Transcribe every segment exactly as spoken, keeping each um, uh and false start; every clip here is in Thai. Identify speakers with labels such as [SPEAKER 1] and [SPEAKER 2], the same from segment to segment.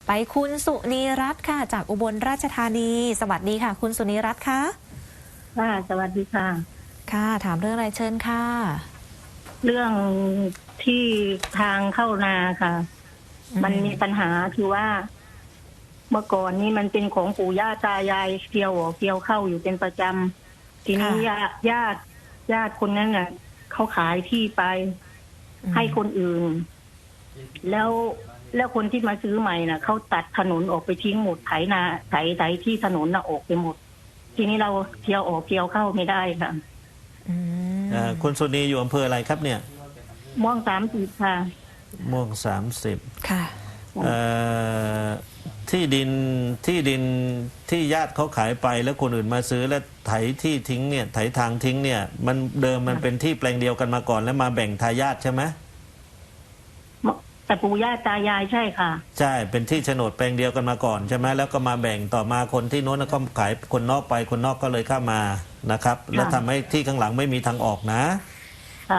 [SPEAKER 1] ไปคุณสุนีรัตน์ค่ะจากอุบลราชธานีสวัสดีค่ะคุณสุนีรัตน์คะ
[SPEAKER 2] ค่ะสวัสดีค่ะ
[SPEAKER 1] ค่ะถามเรื่องอะไรเชิญค่ะ
[SPEAKER 2] เรื่องที่ทางเข้านาค่ะมันมีปัญหาคือว่า เมื่อก่อนนี้มันเป็นของปู่ย่าตายายเกี่ยวออกเกี่ยวเข้าอยู่เป็นประจำทีนี้ญาติญาติญาติคนนั้นน่ะเขาขายที่ไปให้คนอื่น แล้วแล้วคนที่มาซื้อใหม่น่ะเขาตัดถนนออกไปทิ้งหมดไถนาไถไถที่ถนนน่ะออกไปหมดทีนี้เราเกี่ยวออกเกี่ยวเข้าไม่ได้ค่ะ
[SPEAKER 3] คุณสุนีอยู่อำเภออะไรครับเนี่ย
[SPEAKER 2] ม่วงสามสิบค่ะ
[SPEAKER 3] ม่วงสามสิบ
[SPEAKER 1] ค่ะ
[SPEAKER 3] ที่ดินที่ดินที่ญาติเขาขายไปแล้วคนอื่นมาซื้อแล้วไถที่ทิ้งเนี่ยไถทางทิ้งเนี่ยมันเดิมมันเป็นที่แปลงเดียวกันมาก่อนแล้วมาแบ่งทายาทใช่ไหม
[SPEAKER 2] แต่ปู่ย่าตายายใช่ค่ะ
[SPEAKER 3] ใช่เป็นที่โฉนดแปลงเดียวกันมาก่อนใช่ไหมแล้วก็มาแบ่งต่อมาคนที่โน้นก็ขายคนนอกไปคนนอกก็เลยเข้ามานะครับแล้วทำให้ที่ข้างหลังไม่มีทางออกนะ
[SPEAKER 2] ค่ะ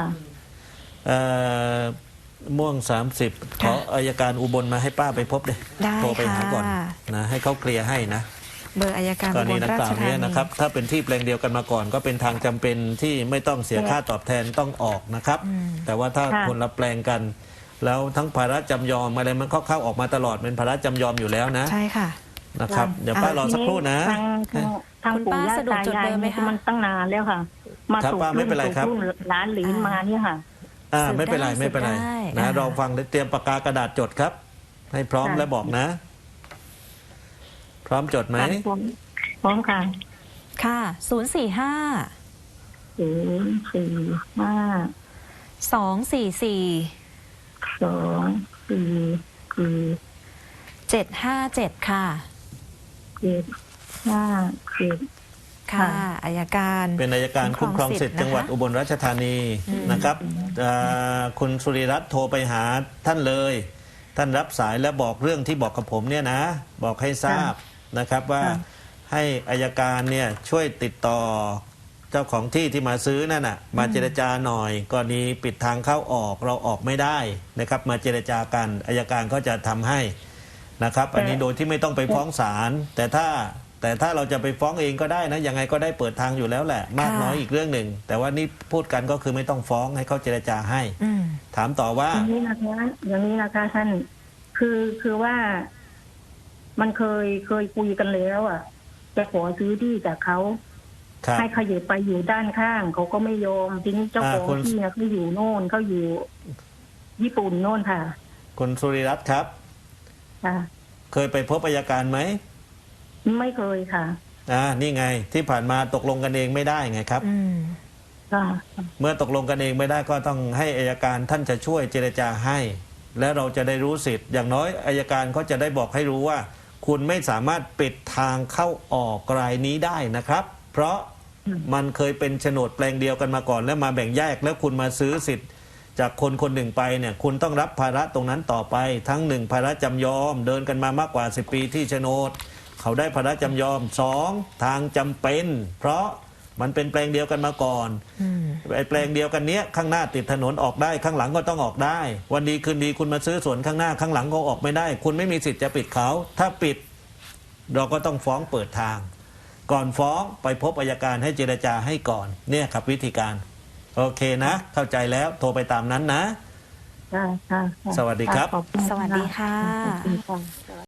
[SPEAKER 3] ม่วงสามสิบขออัยการอุบลมาให้ป้าไปพบเลยโทรไปหาก่อนนะให้เขาเคลียร์ให้นะ
[SPEAKER 1] เบอร์อัยการอุบลราชธานี
[SPEAKER 3] นะครับถ้าเป็นที่แปลงเดียวกันมาก่อนก็เป็นทางจำเป็นที่ไม่ต้องเสียค่าตอบแทนต้องออกนะครับแต่ว่าถ้าคนละแปลงกันแล้วทั้งภาระจำยอมอะไรมันเข้าๆออกมาตลอดเป็นภาระจำยอมอยู่แล้วนะ
[SPEAKER 1] ใช่ค่ะ
[SPEAKER 3] นะครับเดี๋ยวป้ารอสักครู่นะ
[SPEAKER 2] ทางปู่ย่าตายายมันตั้งนานแล้วค่ะมาสู่รุ่นสู่รุ่นหลานหลีนมาเนี่ยค่ะ
[SPEAKER 3] อ่าไม่เป็นไรไม่เป็นไรนะเราฟังเตรียมปากกากระดาษจดครับให้พร้อมแล้วบอกนะพร้อมจดไหม
[SPEAKER 2] พร้อมค่ะ
[SPEAKER 1] ค่ะศูนย์สี่ห้า
[SPEAKER 2] ศูนย์สี่ห้า
[SPEAKER 1] สองสี่สี่
[SPEAKER 2] สองสี่สี่
[SPEAKER 1] เจ็ดห้าเจ็ดค่ะ
[SPEAKER 2] เจ็ดห้าเจ็ด
[SPEAKER 1] ค่ะอัยการ
[SPEAKER 3] เป็นอัยการคุ้มครองสิทธิ์จังหวัดอุบลราชธานีนะครับคุณสุริรัตน์โทรไปหาท่านเลยท่านรับสายและบอกเรื่องที่บอกกับผมเนี่ยนะบอกให้ทราบนะครับว่าให้อัยการเนี่ยช่วยติดต่อเจ้าของที่ที่มาซื้อนั่นน่ะมาเจรจาหน่อยกรณีปิดทางเข้าออกเราออกไม่ได้นะครับมาเจรจากันอัยการก็จะทำให้นะครับอันนี้โดยที่ไม่ต้องไปฟ้องศาลแต่ถ้าแต่ถ้าเราจะไปฟ้องเองก็ได้นะยังไงก็ได้เปิดทางอยู่แล้วแหละมากน้อยอีกเรื่องหนึ่งแต่ว่านี่พูดกันก็คือไม่ต้องฟ้องให้เขาเจรจาให้ถามต่อว่า
[SPEAKER 2] อย่างนี้นะคะอย่างนี้นะคะท่านคือคือว่ามันเคยเคยคุยกันแล้วอ่ะจะขอซื้อที่จากเขาให้ขยับไปอยู่ด้านข้างเขาก็ไม่ยอมทีนี้เจ้าของที่นะเขาอยู่โน่นเขาอยู่ญี่ปุ่นโน่นค่ะ
[SPEAKER 3] คุณสุริรัตน์ครับเคยไปพบอัยการไหม
[SPEAKER 2] ไม่เคยค่ะ
[SPEAKER 3] อ่านี่ไงที่ผ่านมาตกลงกันเองไม่ได้ไงครับเมื่อตกลงกันเองไม่ได้ก็ต้องให้อัยการท่านจะช่วยเจรจาให้และเราจะได้รู้สิทธิ์อย่างน้อยอัยการเขาจะได้บอกให้รู้ว่าคุณไม่สามารถปิดทางเข้าออกรายนี้ได้นะครับเพราะมันเคยเป็นโฉนดแปลงเดียวกันมาก่อนแล้วมาแบ่งแยกแล้วคุณมาซื้อสิทธิ์จากคนคนหนึ่งไปเนี่ยคุณต้องรับภาระตรงนั้นต่อไปทั้งหนึ่งภาระจำยอมเดินกันมามากกว่าสิบปีที่โฉนดเขาได้ภาระจำยอมสองทางจำเป็นเพราะมันเป็นแปลงเดียวกันมาก่อนไอ้แปลงเดียวกันเนี้ยข้างหน้าติดถนนออกได้ข้างหลังก็ต้องออกได้วันดีคืนดีคุณมาซื้อสวนข้างหน้าข้างหลังก็ออกไม่ได้คุณไม่มีสิทธิ์จะปิดเขาถ้าปิดเราก็ต้องฟ้องเปิดทางก่อนฟ้องไปพบอัยการให้เจรจาให้ก่อนเนี่ยครับวิธีการโอเคนะเข้าใจแล้วโทรไปตามนั้นนะ
[SPEAKER 2] ค่ะ
[SPEAKER 3] สวัสดีครับ
[SPEAKER 1] สวัสดีค่ะ